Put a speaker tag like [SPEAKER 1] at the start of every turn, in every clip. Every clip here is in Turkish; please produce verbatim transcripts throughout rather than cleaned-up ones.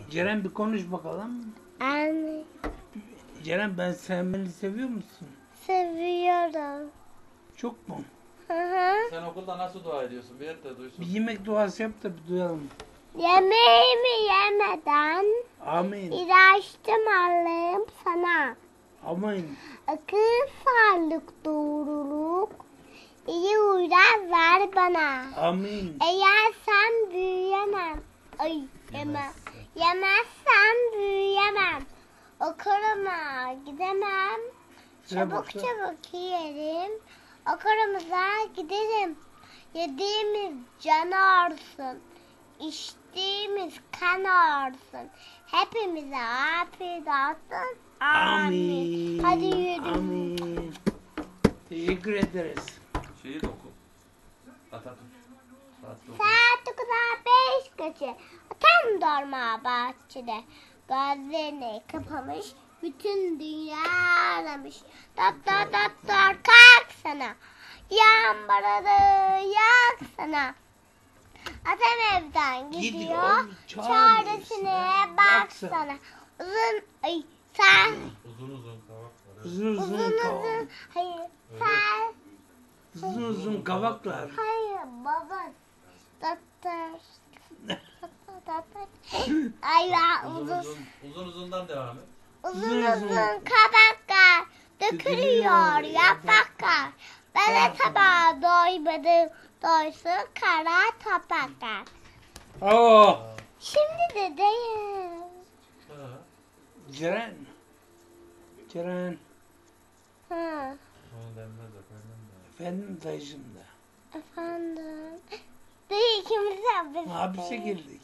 [SPEAKER 1] Ceren bir konuş bakalım.
[SPEAKER 2] Anne.
[SPEAKER 1] Ceren, ben sen beni seviyor musun?
[SPEAKER 2] Seviyorum.
[SPEAKER 1] Çok mu?
[SPEAKER 2] Hı hı.
[SPEAKER 3] Sen okulda nasıl dua ediyorsun? Bir de duysun.
[SPEAKER 1] Bir yemek duası yap da bir duyalım.
[SPEAKER 2] Yemeğimi yemeden
[SPEAKER 1] Amin.
[SPEAKER 2] ilaçtım Allah'ım sana.
[SPEAKER 1] Amin.
[SPEAKER 2] Akıl, sağlık, doğruluk, iyi huylar ver bana.
[SPEAKER 1] Amin.
[SPEAKER 2] Eğer sen büyüyemem, ay yemem, yemezsen büyüyemem. Okuluma gidemem,
[SPEAKER 1] Sıra
[SPEAKER 2] çabuk
[SPEAKER 1] baksa.
[SPEAKER 2] çabuk yiyelim. Okulumuza gidelim. Yediğimiz can ağrısın, içtiğimiz kan ağrısın. Hepimize afiyet olsun. Amin.
[SPEAKER 1] Amin.
[SPEAKER 2] Hadi yürü.
[SPEAKER 1] Amin. Teşekkür ederiz.
[SPEAKER 3] Şeyi de oku. Atatürk. Saat dokuz.
[SPEAKER 2] Saat dokuz'a beş geçe. Tam darma bahçede. Gözlerini kapamış. Bütün dünya aramış. Doktor doktor kalk sana. Yağmuralı yak sana. Atam evden gidiyor.
[SPEAKER 1] Gidiyor,
[SPEAKER 2] Çaresine baksana.
[SPEAKER 1] baksana.
[SPEAKER 2] Uzun ay sen
[SPEAKER 3] Uzun uzun kavak var.
[SPEAKER 1] Uzun uzun,
[SPEAKER 2] uzun
[SPEAKER 1] kavak.
[SPEAKER 2] uzun hayır sen
[SPEAKER 1] Uzun uzun kavaklar.
[SPEAKER 2] hayır baba doktor doktor ay ya
[SPEAKER 3] Uzun
[SPEAKER 2] uzun
[SPEAKER 3] uzun. Uzun uzundan devam et.
[SPEAKER 2] uzun
[SPEAKER 1] uzun.
[SPEAKER 2] uzun kabaklar dökülüyor yapraklar. Ben de tabağa doymadım doysun kara topraklar.
[SPEAKER 1] Oo.
[SPEAKER 2] Şimdi de değil.
[SPEAKER 3] Ha.
[SPEAKER 1] Ceren. Ceren.
[SPEAKER 2] Hı.
[SPEAKER 3] Onu denmez efendim de.
[SPEAKER 1] Efendim dayıcım da.
[SPEAKER 2] Efendim. Değil ikimiz de hapiste.
[SPEAKER 1] Hapise girdik.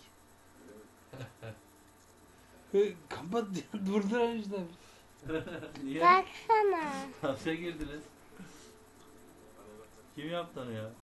[SPEAKER 1] Hı, Kapat ya, durduran işte.
[SPEAKER 3] Niye?
[SPEAKER 2] Baksana.
[SPEAKER 3] Hapse girdiniz. Kim yaptı onu ya?